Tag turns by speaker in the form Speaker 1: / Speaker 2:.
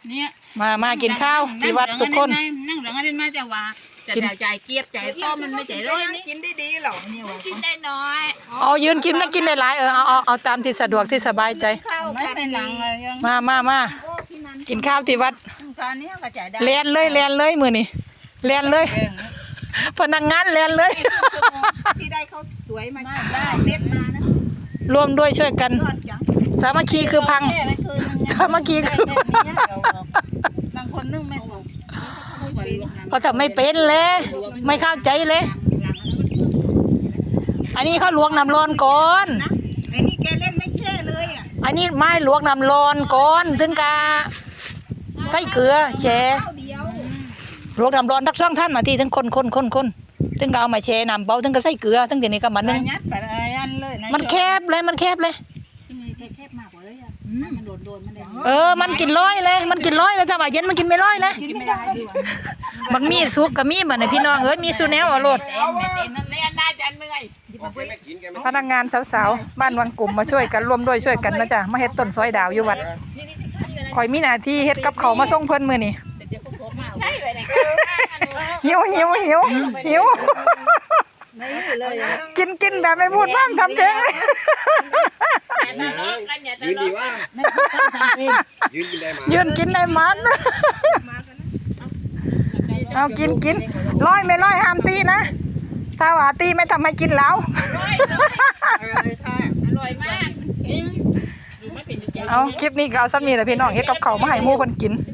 Speaker 1: เนี่ย
Speaker 2: มากินข้าวที่วัดทุกคน
Speaker 1: นั่งหลังอันนี้มาจะว่าจะใจเกียบใจต้อมันไม่ใจร้อยนี่
Speaker 3: กินได้ดีหรอเนี่ย
Speaker 1: กินได้น้อย
Speaker 2: เอายืนกินนะกินได้หลายเอาตามที่สะดวกที่สบายใจ
Speaker 1: ไม่เป็นหลังเลยยัง
Speaker 2: มากินข้าวที่วัด
Speaker 1: ตอนนี้ก็ใจได้
Speaker 2: เรียนเลยมือนี่เรียนเลยพนักงานเรียนเลย
Speaker 3: ที่ได้เขาสวยมาได้เม็ดมานะ
Speaker 2: รวมด้วยช่วยกันสามัคคีคือพังสามัคคีคื
Speaker 1: บางคนนึ่งไม่ถูก
Speaker 2: ก็ทำไม่เป็นเลยไม่เข้าใจเลยอันนี้เขาลวกน้ำร้อนก่อน
Speaker 3: ไอ้นี่แกเล่นไม่แช่เลยอ่ะ
Speaker 2: อันนี้ไม่ลวกน้ำร้อนก่อนถึงกะใส่เกลือแช่ลวกน้ำร้อนทักช่องท่านมาที่ถึงคนถึงก็เอามาแช่น้ำเบาถึงก็ใส่เกลือถึงเดี๋ยวนี้ก็มันนึงมันแคบเลย
Speaker 1: ที่นี่แคบมากกว่าเลยอ่ะมันโดนมัน
Speaker 2: มันกินร้อยเลยถ้าว่าเย็นมันกินไม่ร้อยเลยมันมีซุกกับมีเหมือนพี่น้องมีซูแนวอร่อยพนักงานสาวๆบ้านวังกลุ่มมาช่วยกันร่วมด้วยช่วยกันนะจ๊ะมาเฮ็ดต้นซอยดาวอยู่วัดคอยมีหน้าที่เฮ็ดกับเขามาส่งเพิ่นมื้อนี้หิวกินแบบไม่พูดบ้างทำเพลง
Speaker 4: ยืนดีว่า
Speaker 2: ยืนกินได้มันเอากินร้อยไม่ร้อยห้ามตีนะถ้าว่าตีไม่ทำให้กินแล้วเอาคลิปนี้ก็เอาซ้ำนี่แหละพี่น้องเฮ็ดกับเขามาให้หมู่เพิ่นกิน